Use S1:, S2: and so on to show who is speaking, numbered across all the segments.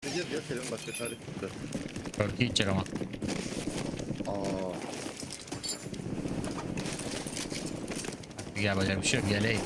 S1: Halledeceğiz ya, Selim başka çare tuttu.
S2: Örtü gidecek ama.
S1: Aa,
S2: Gel böyle bir şey yok. Geleyim.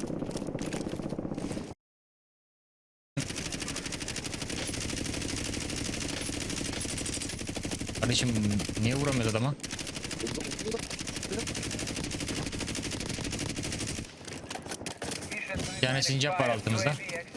S2: Kardeşim niye vuramıyoruz adama?
S1: burada.
S2: Bir tane sincap var altımızda.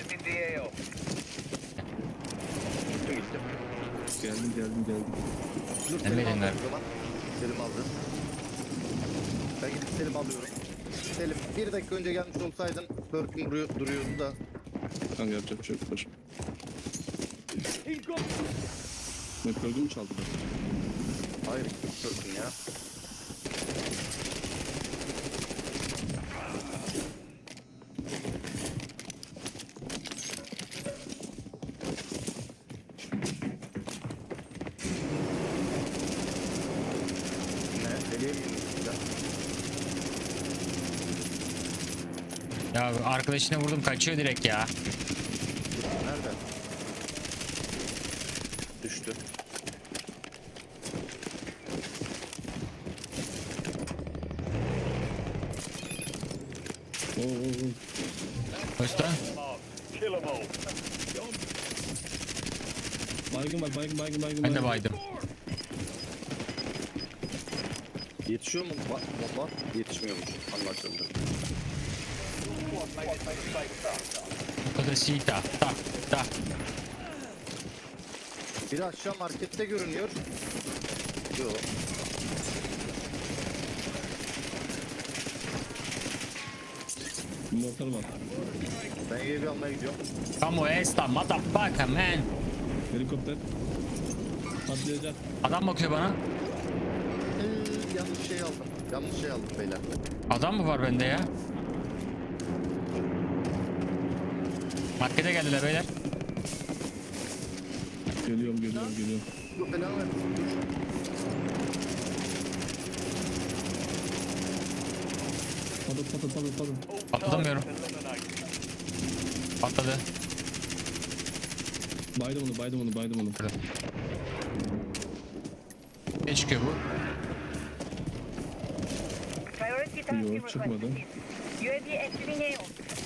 S1: Gittim.
S3: Geldim.
S1: Dur,
S2: Emredin
S1: Selim aldı
S2: ver.
S1: o zaman. Selim aldı. Ben gidip Selim alıyorum. Selim, bir dakika önce gelmiş olsaydın Perk'üm duruyordu da.
S3: Kanka yapacak bir şey yok. Dur. Ne gördün mü çaldı?
S1: Hayır, Perk'üm ya. Ne? Deliye mi gidiyorsun ya?
S2: Ya arkadaşına vurdum, kaçıyor direkt ya.
S1: Nerede? Düştü.
S3: Oo.
S2: Usta.
S3: Baygın var.
S2: Ben de baydım.
S1: Yetişiyor mu? Bomba yetişmiyormuş. Anlaşıldı.
S2: Odasita. Ta. Ta.
S1: Biri aşağı markette görünüyor. Yok.
S3: Mortar var.
S1: Ben evi almaya gidiyorum.
S2: Como esta motherfucker man.
S3: Helikopter. Patlayacak.
S2: Adam bakıyor bana.
S1: Yanlış şey aldım. Yanlış şey aldım beyler.
S2: Adam mı var bende ya? Markete geldiler beyler.
S3: Geliyorum.
S1: Yok belanı ver.
S3: Patlat.
S2: Atlatamıyorum. Atladı.
S3: Baydım onu.
S2: Ne çıkıyor bu?
S3: Yok, çıkmadı.
S4: UAV entering AO.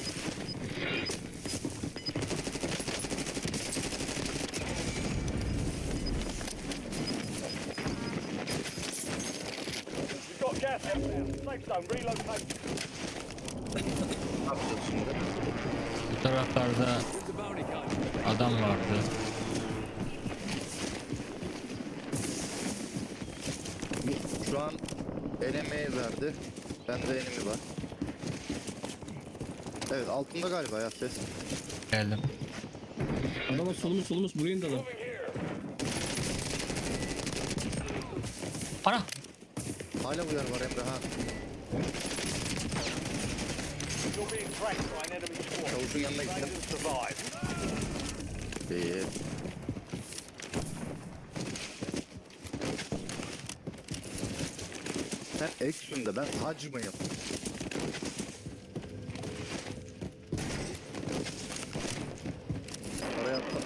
S5: Got gas inbound. Safe zone relocated.
S1: Ne yapacağız şimdi?
S2: Bu taraflarda adam vardı.
S1: Şu an enemy verdi. Bende enemy var. Evet, altında galiba ya ses.
S2: Geldim.
S3: Adamlar solumuz buraya indi adam.
S2: Ana!
S1: Hala uyar var Emre ha.
S5: You're being tracked by an enemy squad.
S1: Çavuşun yanına
S5: Try
S1: gittim.
S5: to survive.
S1: Değil. Sen action'da, ben hac mıyım? Oraya atla.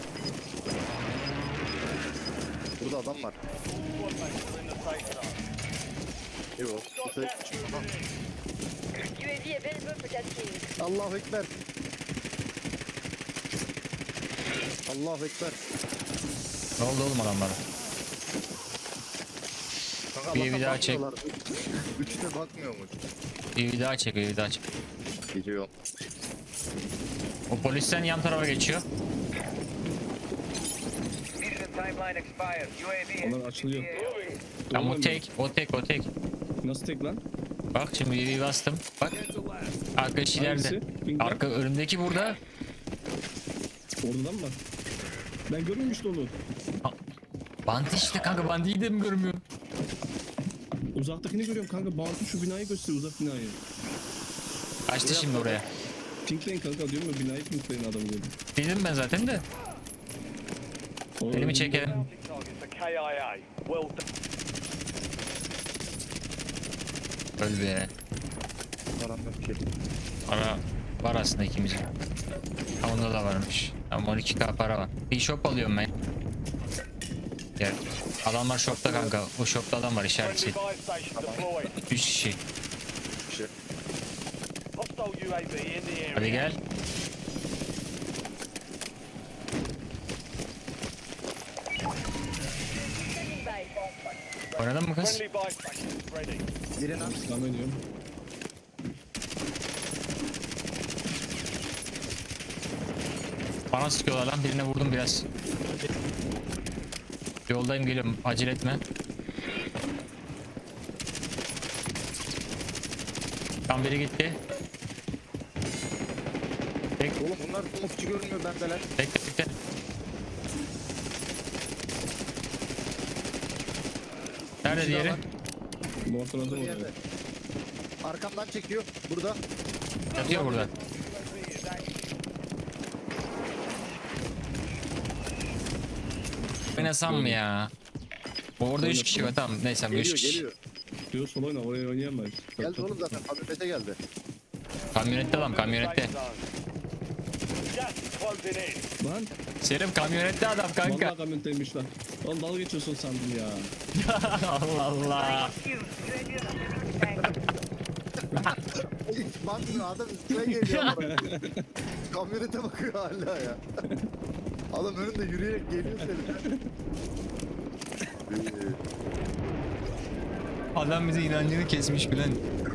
S1: Burada adam var.
S5: Squad mates are in the safe zone.
S1: Yok. Bu ses çıkıyor. Ha.
S4: UAV available for tasking.
S1: Allahu Ekber. Allahu Ekber.
S2: Ne oldu oğlum adamlara?
S1: Kanka,
S2: Bir
S1: Allah'tan
S2: daha çek.
S1: bakmıyorlar. Üçte bakmıyormuş.
S2: Bir daha çek, bir daha çek.
S1: Gidiyor.
S2: O polisten yan tarafa geçiyor.
S5: Mission timeline expired. UAV
S3: Onlar açılıyor.
S2: Tamam o tek.
S3: Nasıl tek lan?
S2: Bak şimdi bir bastım. Bak. Arkadaş ileride.
S3: Hangisi? Ping
S2: Arka önümdeki burada.
S3: Oradan mı? Ben görmemiştim onu.
S2: Bantı işte kanka, bandiyi de mi görmüyorum?
S3: Uzaktakini görüyorum kanka. Bantı şu binayı gösteriyor, uzak binayı.
S2: Kaçtı şimdi oraya.
S3: Pinkleyin kanka diyorum ya, binayı pinkleyin adamı gördüm.
S2: Dedim ben zaten de. Elimi çekelim.
S5: targets the KIA. Well done.
S2: Öl be.
S1: Param yok ki.
S2: Ara var aslında ikimizin. Ha, onda da varmış. Tamam 12k para var. Bir shop alıyorum ben. Gel. Adamlar shopta kanka. O shopta adam var
S5: Friendly
S2: işaretçi.
S5: buy station deployed.
S2: 3 kişi.
S1: Bir şey.
S5: Hostile UAV in the area.
S2: Hadi gel.
S4: Standing by.
S2: Oynadın mı kız?
S5: Friendly buy station ready.
S1: Birini at.
S3: Devam ediyorum.
S2: Bana sıkıyorlar lan. Birine vurdum biraz. Yoldayım geliyorum. Acele etme. Tam biri gitti.
S1: Oğlum bunlar smokçu görünmüyor bendeler.
S2: Bekle bekle. Nerede
S1: Bir daha
S2: diğeri?
S1: var.
S3: Mortaladım
S1: Bir
S3: oraya.
S1: yerde. Arkamdan çekiyor. Burada.
S2: Yatıyor burada. Oynasam mı ya? Orada 3 kişi var tamam neyse bu 3
S1: Geliyor
S2: kişi.
S1: geliyor.
S3: Diyor sol oyna oraya oynayamayız.
S1: Geldi oğlum zaten. Kamyonete geldi.
S2: Kamyonette adam kamyonette.
S5: Safe zone. Gas is closing in.
S3: Lan
S2: Selim kamyonette adam kanka.
S3: vallahi kamyontaymış lan. Oğlum dalga geçiyorsun sandım ya.
S2: Allah Allah.
S1: Bakmıyor adam üstüne geliyor. bana. Kamyonete bakıyor hala ya. Adam önünde yürüyerek geliyor senin.
S2: Adam bize inancını kesmiş bilen.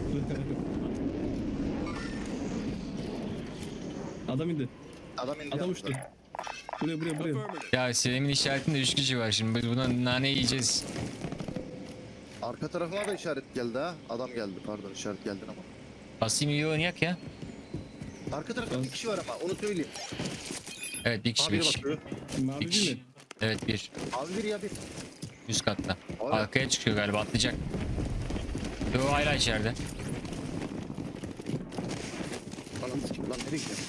S3: Adam indi.
S1: Adam indi.
S3: Adam
S1: yanımıza.
S3: uçtu. Buraya.
S2: Ya Selim'in işaretinde 3 kişi var şimdi biz buna nane yiyeceğiz.
S1: Arka tarafıma da işaret geldi ha. Adam geldi pardon işaret geldi ama.
S2: Basayım iyi oynayak ya.
S1: Arka tarafta bir kişi var ama onu söyleyeyim.
S2: Evet bir kişi
S1: Abi
S2: bir
S1: biri
S2: kişi.
S1: bakıyor.
S3: Mavi
S2: Bir
S3: değil
S2: kişi.
S3: mi?
S2: Evet bir.
S1: Abi bir ya bir.
S2: Üst katta.
S1: Abi.
S2: Arkaya çıkıyor galiba atlayacak. Yo hala içeride.
S1: Anam sikim lan nereye gidiyor?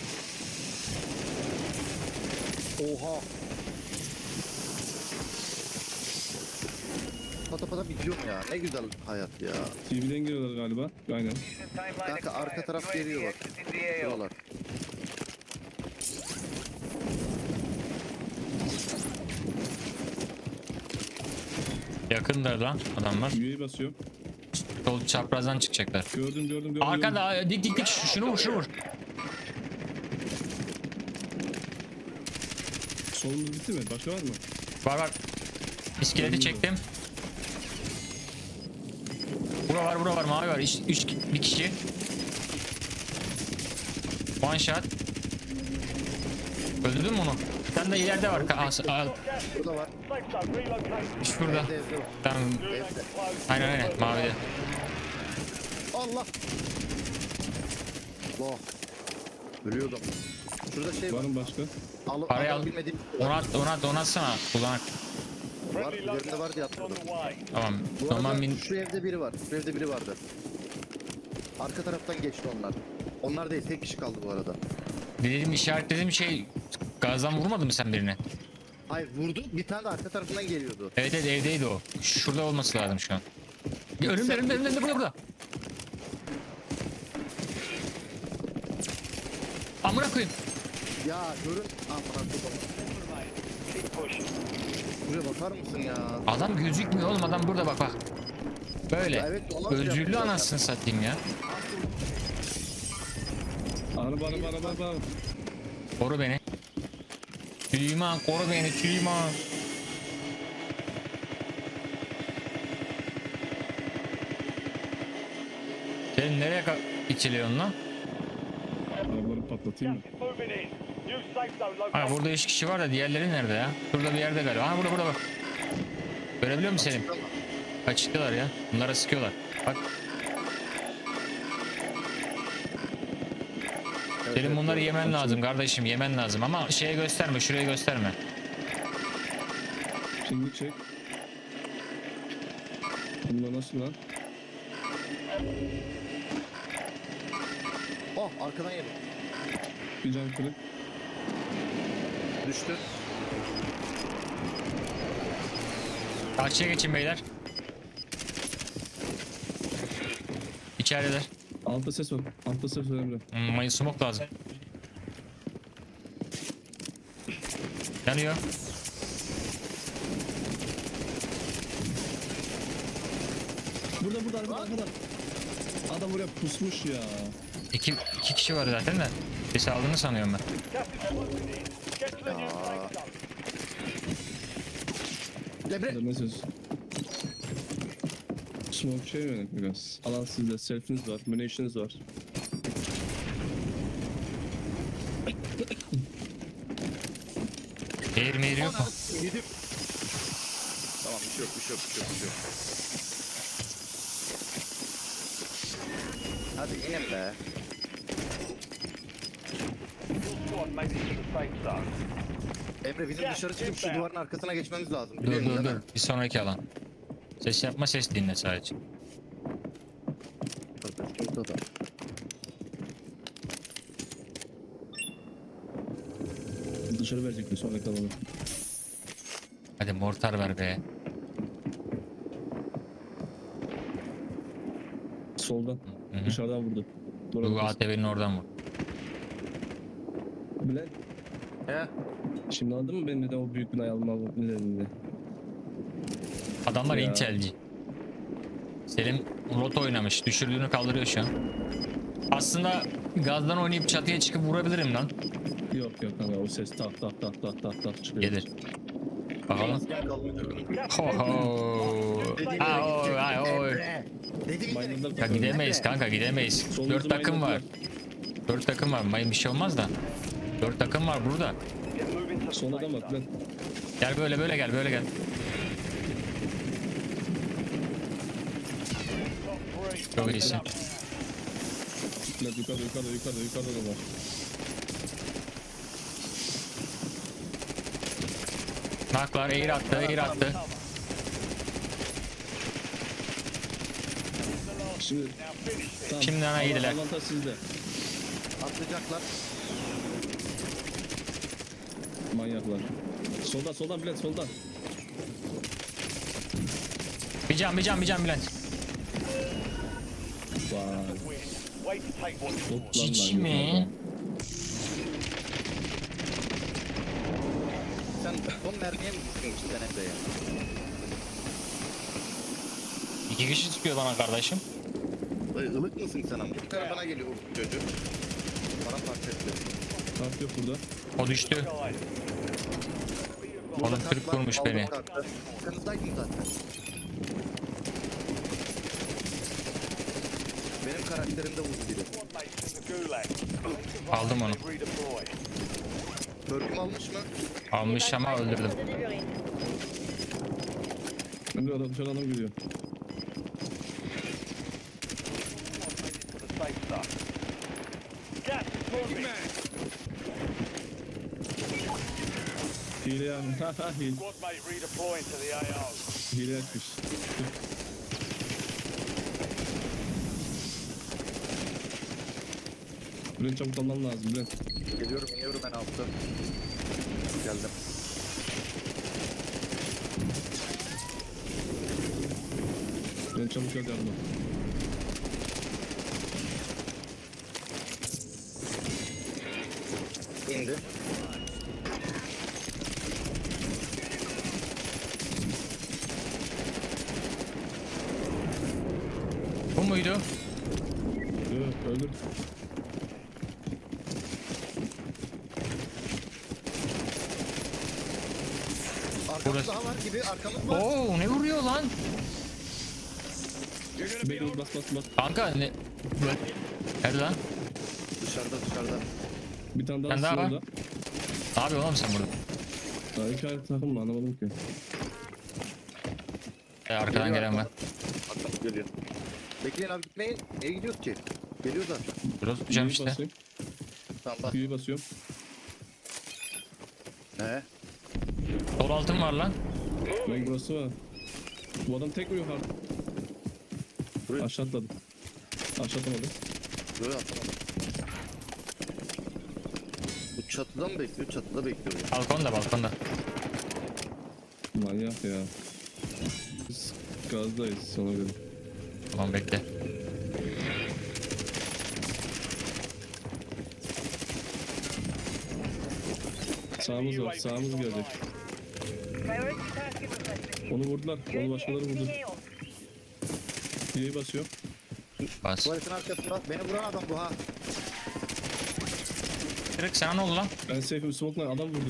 S1: Oha. Pata pata bitiyorum ya. Ne güzel hayat ya.
S3: TV'den giriyorlar galiba. Aynen.
S1: Kanka arka taraf geliyor bak. Şuralar.
S2: Yakındır lan adamlar.
S3: UAV basıyor.
S2: Sol çaprazdan çıkacaklar.
S3: Gördüm.
S2: Arkada dik şunu vur.
S3: Solumuz bitti mi? Başka var mı?
S2: Var. İskeleti çektim. Bura var mavi var. Bir kişi. One shot. Öldürdün mü onu? Bir tane de ileride var. Al.
S1: Burada var.
S5: Safe zone relocated.
S2: Şurada.
S1: Evde var.
S2: Tamam.
S1: Evde.
S2: Aynen mavide.
S1: Allah. Allah. Ölüyordum. Şurada şey var.
S3: Var mı başka?
S2: Parayı al.
S1: Bilmediğim
S2: Onu atsana. Kullanak.
S1: var.
S5: Friendly
S1: Üzerinde var diye
S5: loadout on
S1: atladım.
S5: the way.
S2: Tamam.
S1: Bu
S2: Tamam
S1: arada
S2: bin.
S1: şu evde biri var. Şu evde biri vardı. Arka taraftan geçti onlar. Onlar değil tek kişi kaldı bu arada.
S2: Dediğim işaretlediğim şey gazdan vurmadın mı sen birine?
S1: Hayır vurdu bir tane de arka tarafından geliyordu.
S2: Evet evdeydi o. Şurada olması lazım şu an. Önümde burada. Amına koyayım.
S1: Ya görün. Aman Allah'ım.
S5: Keep pushing.
S1: Buraya bakar mısın ya?
S2: Adam gözükmüyor oğlum adam burada bak. Böyle.
S1: Evet, olan şey
S2: Özürlü
S1: yapacağız
S2: anasını satayım ya.
S3: Araba.
S2: Koru beni. Süleyman koru beni Süleyman. Sen nereye içiliyorsun lan?
S3: Arabaları patlatayım mı?
S5: Gas is moving in. New safe zone
S2: Ha
S5: located.
S2: burada 3 kişi var da diğerleri nerede ya? Şurada bir yerde galiba. Ha burada bak. Görebiliyor musun Selim? Açıktılar ya. Bunlara sıkıyorlar. Bak. Selim bunları yemen lazım kardeşim yemen lazım ama şeye gösterme şuraya gösterme.
S3: Şimdi çek. Bunlar nasıl lan?
S1: Oh arkadan yedim.
S3: Bir can kırık.
S1: Düştü.
S2: Karşıya geçin beyler. İçerideler.
S3: Altta ses var. Altta ses var Emre.
S2: Mayın smoke lazım. Yanıyor.
S3: Burada arkada. Adam buraya pusmuş ya.
S2: İki kişi var zaten de. Sesi aldığını sanıyorum ben.
S5: Gas is closing in. Get to the new safe zone.
S1: Emre.
S3: Hadi ne söz? Smoke şey mi biraz? Alan sizde, selfiniz var, munitions var.
S2: Mehir yok mu?
S1: Yedim. Tamam bir şey yok, bir şey yok, bir şey yok, bir şey yok. Hadi inin be.
S5: Your squad made it to the safe zone.
S1: Emre bizim dışarı çıkıp şu duvarın arkasına geçmemiz lazım.
S2: Dur
S1: Biliyorsun
S2: dur
S1: değil
S2: dur.
S1: mi?
S2: Bir sonraki alan. Ses yapma, ses dinle sadece.
S1: Orada da.
S3: Dışarı verecek bir sonraki alanı.
S2: Hadi mortar ver be.
S3: Soldan.
S2: Hı hı.
S3: Dışarıdan vurdu.
S2: Bu
S3: Doğru.
S2: ATV'nin oradan vur.
S3: Bülent.
S1: He?
S3: Şimdi anladın mı benim neden o büyük binayı almam nedenini?
S2: Adamlar
S3: Ya.
S2: Intel'ci. Selim rot oynamış. Düşürdüğünü kaldırıyor şu an. Aslında gazdan oynayıp çatıya çıkıp vurabilirim lan.
S3: Yok kanka o ses tak tak tak tak tak tak çıkıyor.
S2: Gelir. Bakalım.
S1: Masken kalmayacak.
S2: Ho ho. Ha oy ay oy.
S1: Dedim
S3: Maymunlar
S2: Ya gidemeyiz kanka gidemeyiz.
S3: Solumuzu
S2: 4 takım var.
S3: maymunlar.
S2: 4 takım var. Mayın bir şey olmaz da. 4 takım var burada.
S5: Get moving to the
S3: Solda
S5: safe
S3: da bak
S5: zone.
S3: Bülent.
S2: Gel böyle gel böyle gel.
S5: Top three.
S2: Çok iyisin.
S3: Bülent yukarıda da var.
S2: Naklar eğir attı.
S3: Şimdi tamam.
S2: Şimdi ana iyiydiler.
S3: Avantaj sizde.
S1: atlayacaklar.
S3: Manyaklar. Soldan Bülent soldan.
S2: Bir can Bülent.
S3: Vay.
S5: Wait to take what's yours.
S3: Hop lan
S2: Cici
S3: lan,
S2: mi?
S3: yukarıda.
S1: Sen son mermiye mi gittin içinden Emre'ye?
S2: 2 kişi çıkıyor bana kardeşim.
S1: Dayı ılık mısın sen ama? Bir tane bana geliyor bu çocuğu. Bana parça etti.
S3: Tank yok burada.
S2: O düştü.
S5: Guys,
S2: Oğlum
S1: Burada
S2: Türk
S1: kalklar,
S2: vurmuş
S1: aldım
S2: beni.
S1: kalktı. Arkanızdaydın zaten. Benim karakterimde vurdu biri.
S5: squad mates in the gulag.
S2: Aldım onu.
S5: Redeploy.
S1: Törküm almış mı?
S2: Almış ama öldürdüm.
S4: Delivery.
S3: Önde adam dışarıdan adam geliyor.
S5: To the safe zone. Gas is moving.
S3: Hile yani. Hile.
S5: Squad mate redeploying to the AO.
S3: Hile açmış. Bülent çabuk alman lazım Bülent.
S1: Geliyorum iniyorum ben altta. Geldim.
S3: Bülent çabuk gel yardıma.
S1: İndi.
S2: Bu muydu?
S3: Yok öldür.
S1: Arkamız
S2: Burası.
S1: daha var gibi arkamız var.
S2: Oo ne vuruyor lan?
S3: Bekle bas.
S2: Kanka ne? Nerede lan?
S1: Dışarıda.
S3: Bir tane daha
S2: Ben daha var.
S3: orada.
S2: Ne yapıyorsun oğlum sen burada?
S3: Daha iki ayrı takım mı anlamadım ki.
S2: Arkadan gelen var.
S1: Arkamız geliyor. Bekleyin abi gitmeyin. Niye gidiyoruz ki? Geliyor zaten.
S2: Burada tutacağım
S3: Q'yu
S2: işte.
S3: basayım.
S1: Tamam bak.
S3: Q'yu basıyorum.
S1: He.
S2: Sol altın var lan.
S3: Bak burası var. Bu adam tek vuruyor artık.
S1: Buraya.
S3: Aşağı atladı. Aşağı atlamadı.
S1: Böyle atamadım. Bu çatıda mı bekliyor? Çatıda bekliyor ya.
S2: Balkonda.
S3: Manyak ya. Biz gazdayız ona göre.
S2: Tamam bekle.
S3: Sağımız var. Sağımız gelecek.
S4: Priority target requested.
S3: Onu vurdular. Onu başkaları vurdu.
S4: HO.
S3: Diye'yi basıyor.
S2: Bas.
S1: Tuvaletin arkasında. Beni vuran adam bu ha.
S2: Direkt sana ne oldu lan?
S3: Ben safe'im smoke'la adam vurdu.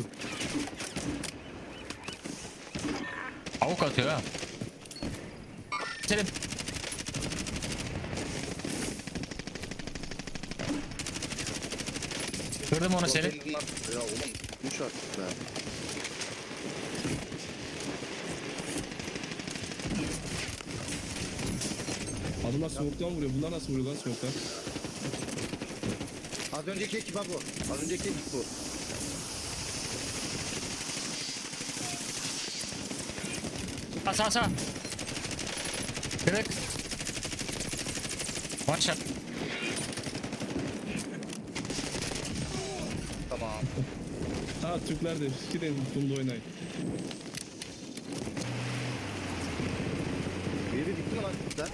S2: Avuk atıyor ha. Selim. Kırdım onu Selim.
S1: Bunlar... Ya oğlum düş artık be.
S3: Adamlar smoke'tan vuruyor. Bunlar nasıl vuruyor lan smoke'tan?
S1: Az önceki ekip ha bu. Az önceki ekip bu.
S2: Sağ sağ. Kırık. One shot.
S1: Tamam.
S3: Ha Türkler de. Gidin bunda oynayın.
S1: Biri bitti mi lan sen?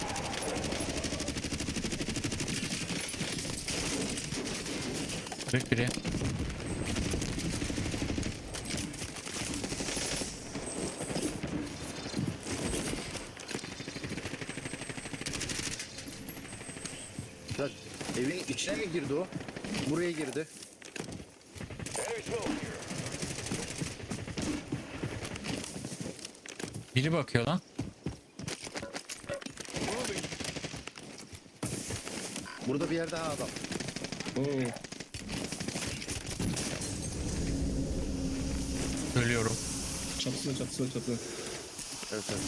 S2: Kırık biri.
S1: Ya, evin içine mi girdi o? Buraya girdi.
S2: Biri bakıyor lan.
S1: Burada bir yerde ha adam.
S3: Oo.
S2: Ölüyorum.
S3: Çatısına.
S1: Evet evet.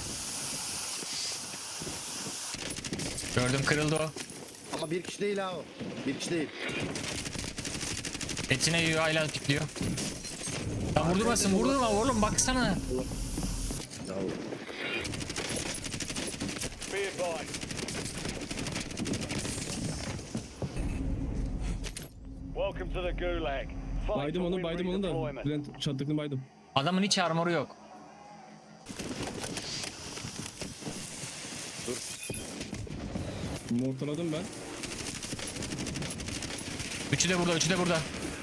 S2: Gördüm, kırıldı o.
S1: Ama bir kişi değil ha o. Bir kişi değil.
S2: Etine yiyor, hala pikliyor. Lan vurdurma oğlum, baksana.
S1: Ya,
S5: Be advised. Welcome to the Gulag. Fight
S3: Baydım
S5: or
S3: onu
S5: we
S3: da.
S5: redeployment.
S3: Bülent çattıkını baydım.
S2: Adamın hiç armoru yok.
S3: Mortaladım ben.
S2: Üçü de burada.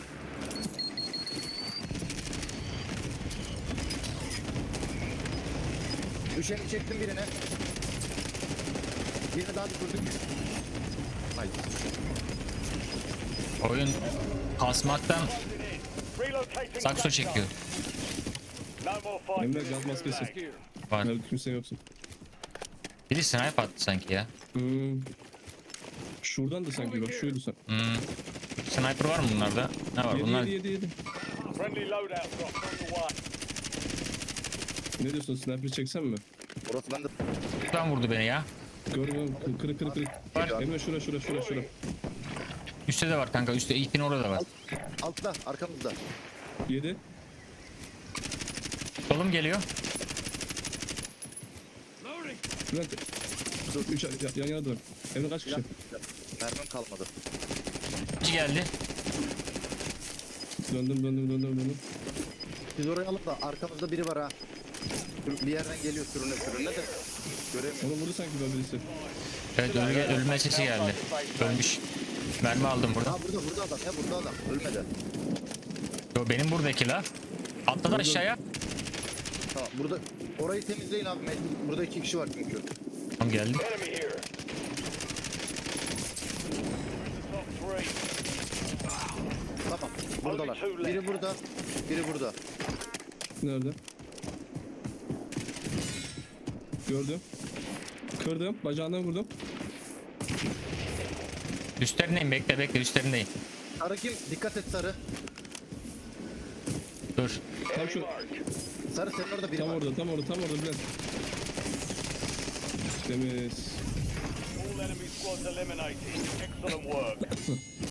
S1: düşeni çektim birine. Birini daha düşürdük. Hayır.
S2: Oyun kasmaktan
S5: Relocating
S2: sakso
S5: sector.
S2: çekiyor.
S5: No more fighting
S3: Emre
S5: in the
S3: gaz maskesi.
S5: Gulag.
S2: Var.
S3: Nerede kimse yoksun.
S2: Biri snipe attı sanki ya.
S3: Şuradan da sanki bak şuydu sen.
S2: Sniper var mı bunlarda? Ne var? Bunlar
S3: Yedi.
S5: Friendly loadout drops on the way.
S3: Ne diyorsun sniper çeksen mi?
S1: Orası bende.
S2: buradan vurdu beni ya.
S3: Görmüyorum. Kırık.
S2: Var.
S3: Emre şura.
S2: Üstte de var kanka. Üstte ilkin orada var.
S1: Altta arkamızda.
S3: 7.
S2: Solum geliyor.
S3: Bülent. 3 yan yana dur. Emre kaç kişi?
S1: Mermim kalmadı.
S2: İki geldi.
S3: Döndüm.
S1: Siz oraya alın da arkamızda biri var ha. Bir yerden geliyor sürüne de. Göremiyorum.
S3: Onu vurdu sanki ben birisi.
S2: Evet, ölme sesi geldi. Ölmüş. Mermi aldım burada.
S1: Ha burada adam ya burada adam. Ölmedi.
S2: Yo, benim buradaki la. Atladı aşağıya.
S1: Tamam burada orayı temizleyin abi. Burada 2 kişi var çünkü.
S2: Tamam, geldi.
S5: Enemy here. Top three.
S1: Tamam. Buradalar. Biri burada. Biri burada.
S3: Nerede? Gördüm. Kırdım. Bacağından vurdum.
S2: Üstlerindeyim, bekle üstlerindeyim.
S1: Sarı kim? Dikkat et sarı.
S2: Dur.
S3: Tam şu.
S1: Sarı senin orada biri
S3: Tam
S1: var.
S3: orada Bülent. Temiz.
S5: All enemy squads eliminated. Excellent work.